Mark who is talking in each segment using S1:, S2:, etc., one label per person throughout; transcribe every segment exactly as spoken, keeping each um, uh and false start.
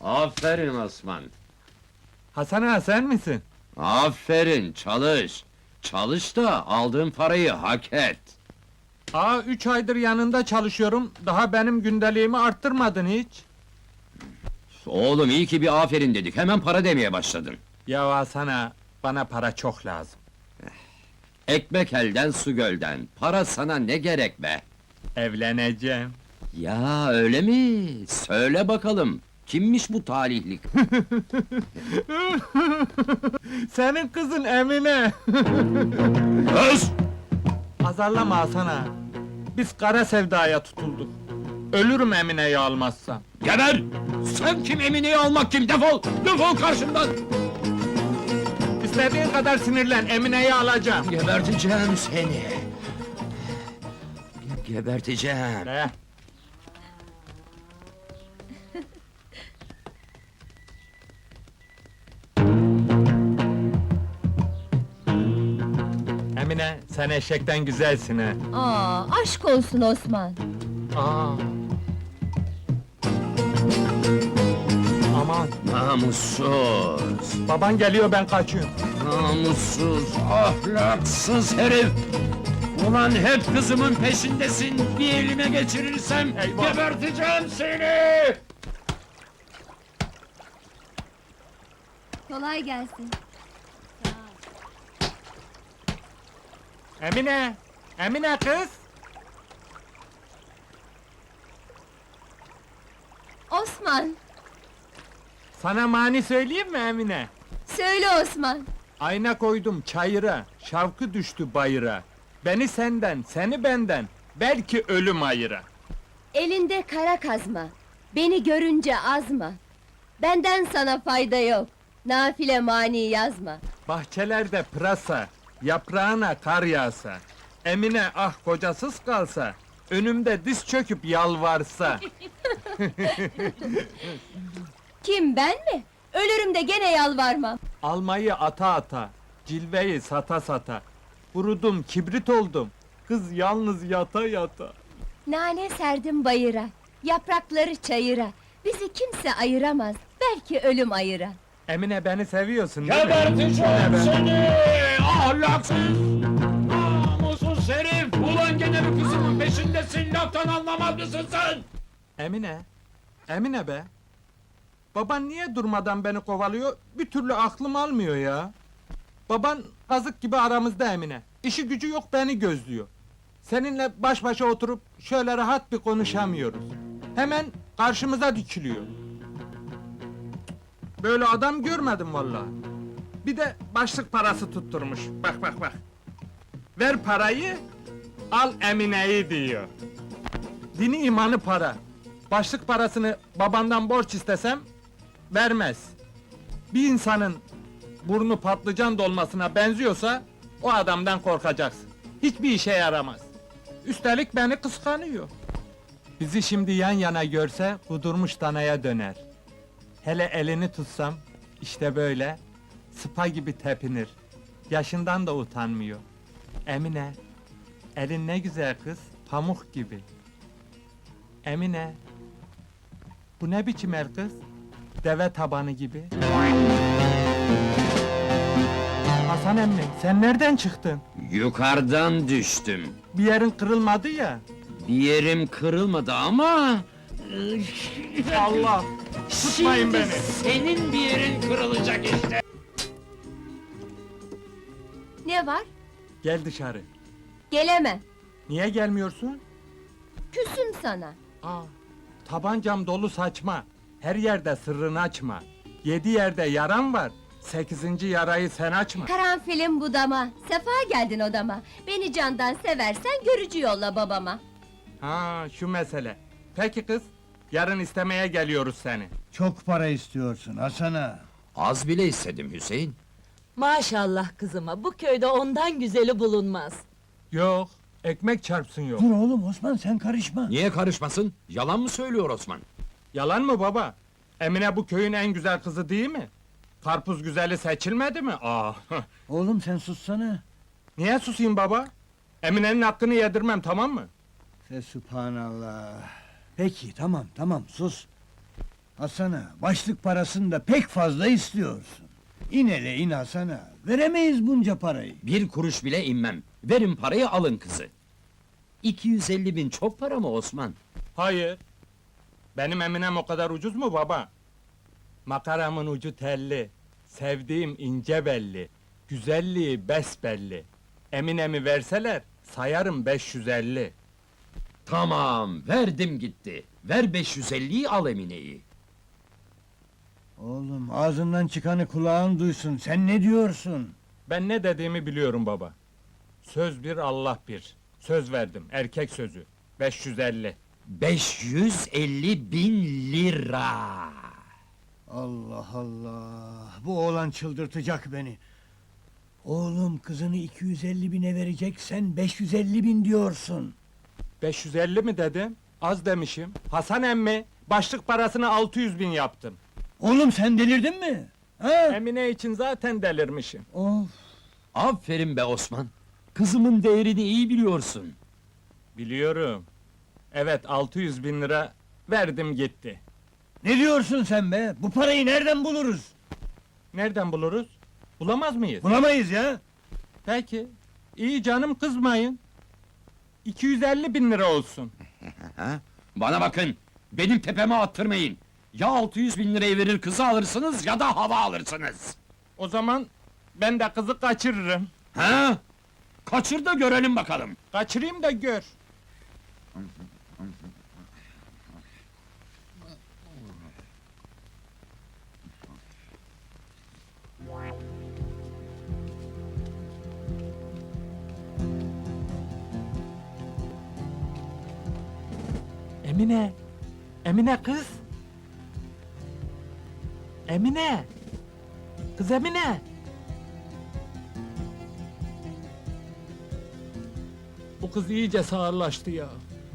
S1: Aferin Osman.
S2: Hasan ağa sen misin?
S1: Aferin, çalış. Çalış da aldığın parayı hak et.
S2: Aa, üç aydır yanında çalışıyorum, daha benim gündeliğimi arttırmadın hiç.
S1: Oğlum iyi ki bir aferin dedik, hemen para demeye başladın.
S2: Ya Hasan ağa, bana para çok lazım.
S1: Ekmek elden, su gölden. Para sana ne gerek be?
S2: Evleneceğim.
S1: Ya öyle mi? Söyle bakalım. Kimmiş bu talihlik?
S2: Senin kızın Emine!
S1: Öz!
S2: Azarlama Hasan ağa. Biz kara sevdaya tutulduk. Ölürüm Emine'yi almazsam.
S1: Geber! Sen kim, Emine'yi almak kim? Defol! Defol karşımdan!
S2: İstediğin kadar sinirlen, Emine'yi alacağım.
S1: Geberteceğim seni! Geberteceğim!
S2: Ne? Emine, sen eşekten güzelsin ha.
S3: Aa, aşk olsun Osman.
S2: Aa. Aman,
S1: Namussuz!
S2: baban geliyor, ben kaçıyorum.
S1: Namussuz, ahlaksız herif! Ulan hep kızımın peşindesin, bir elime geçirirsem
S2: Eyvah!
S1: geberteceğim seni!
S3: Kolay gelsin.
S2: Emine! Emine kız!
S3: Osman,
S2: Sana mani söyleyeyim mi Emine?
S3: söyle Osman.
S2: Ayna koydum çayıra, şavkı düştü bayıra. Beni senden, seni benden, belki ölüm ayıra.
S3: Elinde kara kazma, beni görünce azma. Benden sana fayda yok, nafile mani yazma.
S2: Bahçelerde pırasa, yaprağına kar yağsa. Emine ah kocasız kalsa, önümde diz çöküp yalvarsa.
S3: Kim, ben mi? Ölürüm de gene yalvarmam.
S2: Almayı ata ata, cilveyi sata sata. Kurudum, kibrit oldum, kız yalnız yata yata.
S3: Nane serdim bayıra, yaprakları çayıra. Bizi kimse ayıramaz, belki ölüm ayıra.
S2: Emine beni seviyorsun değil mi?
S1: Geberteceğim
S2: Ben-
S1: seni! Ahlaksız! Namussuz herif! Ulan gene mi kızımın peşindesin, laftan anlamaz mısın sen?
S2: Emine, Emine be! Baban niye durmadan beni kovalıyor, bir türlü aklım almıyor ya! Baban kazık gibi aramızda Emine, işi gücü yok beni gözlüyor. Seninle baş başa oturup şöyle rahat bir konuşamıyoruz. Hemen karşımıza dikiliyor. Böyle adam görmedim vallahi. Bir de başlık parası tutturmuş, bak bak bak! Ver parayı, al Emine'yi diyor. Dini imanı para. Başlık parasını babandan borç istesem, vermez. Bir insanın burnu patlıcan dolmasına benziyorsa, o adamdan korkacaksın. Hiçbir işe yaramaz. Üstelik beni kıskanıyor. Bizi şimdi yan yana görse, kudurmuş danaya döner. Hele elini tutsam, işte böyle, sıpa gibi tepinir. Yaşından da utanmıyor. Emine, elin ne güzel kız, pamuk gibi. Emine, bu ne biçim el kız? Deve tabanı gibi. Hasan emmi, sen nereden çıktın?
S1: Yukarıdan düştüm.
S2: Bir yerin kırılmadı ya.
S1: Bir yerim kırılmadı ama...
S2: Allah! Tutmayın
S1: Şimdi
S2: beni!
S1: senin bir yerin kırılacak işte!
S3: Ne var?
S2: Gel dışarı.
S3: Gelemem,
S2: Niye gelmiyorsun?
S3: küsüm sana.
S2: Aa, tabancam dolu saçma. Her yerde sırrını açma. Yedi yerde yaran var. Sekizinci yarayı sen açma.
S3: Karanfilim budama, sefa geldin odama. Beni candan seversen görücü yolla babama.
S2: Ha, şu mesele. Peki kız, yarın istemeye geliyoruz seni.
S4: Çok para istiyorsun Hasan'a.
S1: Az bile istedim Hüseyin.
S5: Maşallah kızıma, bu köyde ondan güzeli bulunmaz.
S2: Yok, ekmek çarpsın yok.
S4: Dur oğlum Osman sen karışma.
S1: Niye karışmasın? Yalan mı söylüyor Osman?
S2: Yalan mı baba? Emine bu köyün en güzel kızı değil mi? Karpuz güzeli seçilmedi mi? Aa,
S4: Oğlum sen sussana.
S2: niye susayım baba? Emine'nin hakkını yedirmem, tamam mı?
S4: Fe subhanallah. Peki tamam tamam sus. Hasan'a, başlık parasını da pek fazla istiyorsun. İn hele in Hasan'a, veremeyiz bunca parayı.
S6: Bir kuruş bile inmem. Verin parayı, alın kızı. iki yüz elli bin çok para mı Osman?
S2: Hayır. Benim Eminem o kadar ucuz mu baba? Makaramın ucu telli, sevdiğim ince belli, güzelliği besbelli. Eminem'i verseler, sayarım beş yüz elli.
S6: Tamam, verdim gitti. Ver beş yüz elliyi, al Emine'yi.
S4: Oğlum ağzından çıkanı kulağın duysun, sen ne diyorsun?
S2: Ben ne dediğimi biliyorum baba. Söz bir, Allah bir. Söz verdim, erkek sözü. beş yüz elli.
S6: beş yüz elli bin lira.
S4: Allah Allah, bu oğlan çıldırtacak beni. Oğlum kızını iki yüz elli bine verecek, sen beş yüz elli bin diyorsun.
S2: beş yüz elli mi dedim? Az demişim. Hasan emmi, başlık parasını altı yüz bin yaptım.
S4: Oğlum sen delirdin mi? Ha?
S2: Emine için zaten delirmişim.
S4: Of!
S6: Aferin be Osman. Kızımın değerini iyi biliyorsun.
S2: Biliyorum. Evet, altı yüz bin lira verdim gitti.
S4: Ne diyorsun sen be? Bu parayı nereden buluruz?
S2: Nereden buluruz? Bulamaz mıyız?
S4: Bulamayız ya!
S2: Peki. İyi canım, kızmayın. iki yüz elli bin lira olsun.
S6: Bana bakın, benim tepeme attırmayın. Ya altı yüz bin lirayı verir kızı alırsınız, ya da hava alırsınız.
S2: O zaman ben de kızı kaçırırım.
S6: Ha? Kaçır da görelim bakalım.
S2: Kaçırayım da gör. Emine! Emine kız! Emine! Kız Emine! Bu kız iyice sağırlaştı ya.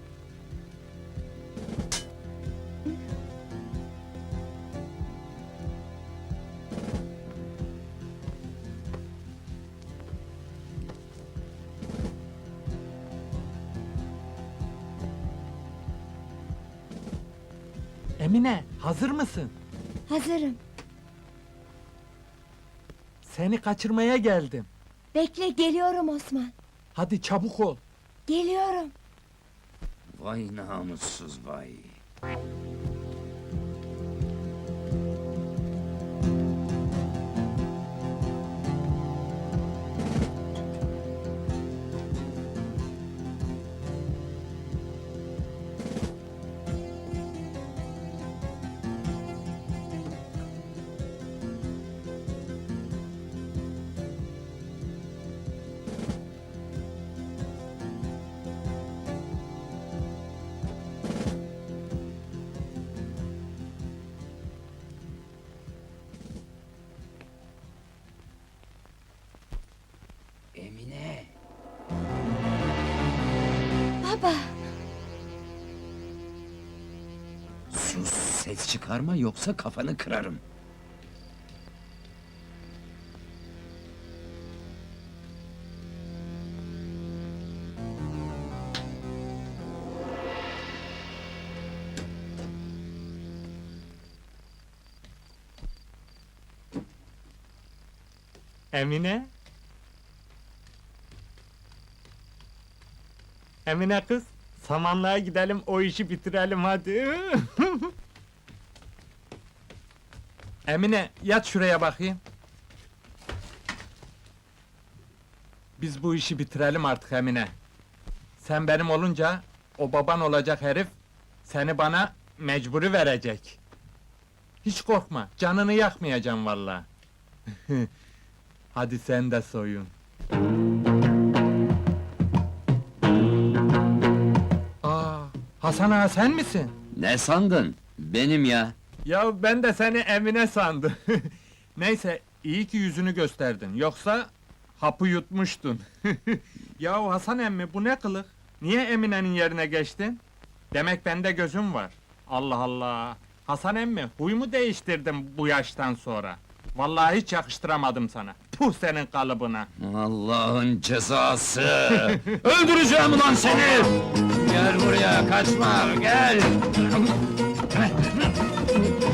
S2: Emine, hazır mısın?
S3: Hazırım.
S2: Seni kaçırmaya geldim.
S3: Bekle, geliyorum Osman.
S2: Hadi çabuk ol.
S3: Geliyorum.
S6: Vay namussuz vay. Emine!
S3: Baba!
S6: Sus, ses çıkarma yoksa kafanı kırarım.
S2: Emine? Emine kız, samanlığa gidelim, o işi bitirelim hadi. Emine, yat şuraya bakayım. Biz bu işi bitirelim artık Emine. Sen benim olunca, o baban olacak herif, seni bana mecburi verecek. Hiç korkma, canını yakmayacağım vallahi. Hadi sen de soyun. Aa, Hasan ağa sen misin?
S6: Ne sandın? Benim ya.
S2: Ya ben de seni Emine sandım. Neyse, iyi ki yüzünü gösterdin, yoksa hapı yutmuştun. Ya Hasan emmi, bu ne kılık? Niye Emine'nin yerine geçtin? Demek bende gözüm var. Allah Allah! Hasan emmi, huy mu değiştirdim bu yaştan sonra? Vallahi hiç yakıştıramadım sana. Puh senin kalıbına!
S6: Allah'ın cezası! Öldüreceğim ulan seni! Gel buraya, kaçma, gel!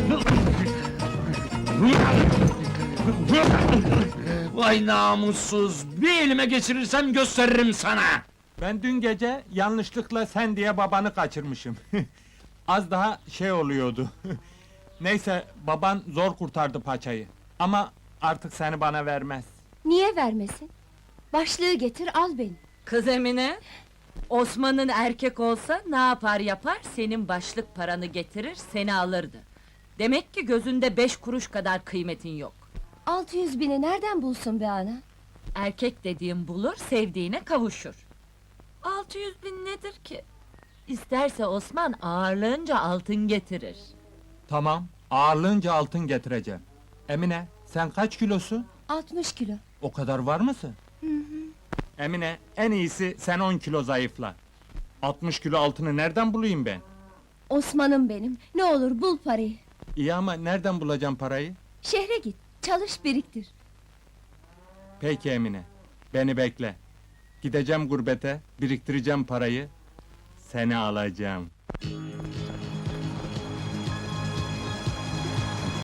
S6: Vay namussuz! Bir elime geçirirsem gösteririm sana!
S2: Ben dün gece yanlışlıkla sen diye babanı kaçırmışım. Az daha şey oluyordu. Neyse, baban zor kurtardı paçayı. Ama artık seni bana vermez.
S3: Niye vermesin? Başlığı getir, al beni.
S5: Kız Emine, Osman'ın erkek olsa ne yapar yapar, senin başlık paranı getirir, seni alırdı. Demek ki gözünde beş kuruş kadar kıymetin yok.
S3: Altı yüz bini nereden bulsun be ana?
S5: Erkek dediğin bulur, sevdiğine kavuşur. Altı yüz bin nedir ki? İsterse Osman ağırlığınca altın getirir.
S2: Tamam, ağırlığınca altın getireceğim. Emine, sen kaç kilosun?
S3: Altmış kilo.
S2: O kadar var mısın? Emine, en iyisi sen on kilo zayıfla. altmış kilo altını nereden bulayım ben?
S3: Osman'ım benim, ne olur bul parayı.
S2: İyi ama nereden bulacağım parayı?
S3: Şehre git, çalış biriktir.
S2: Peki Emine, beni bekle. Gideceğim gurbete, biriktireceğim parayı, seni alacağım.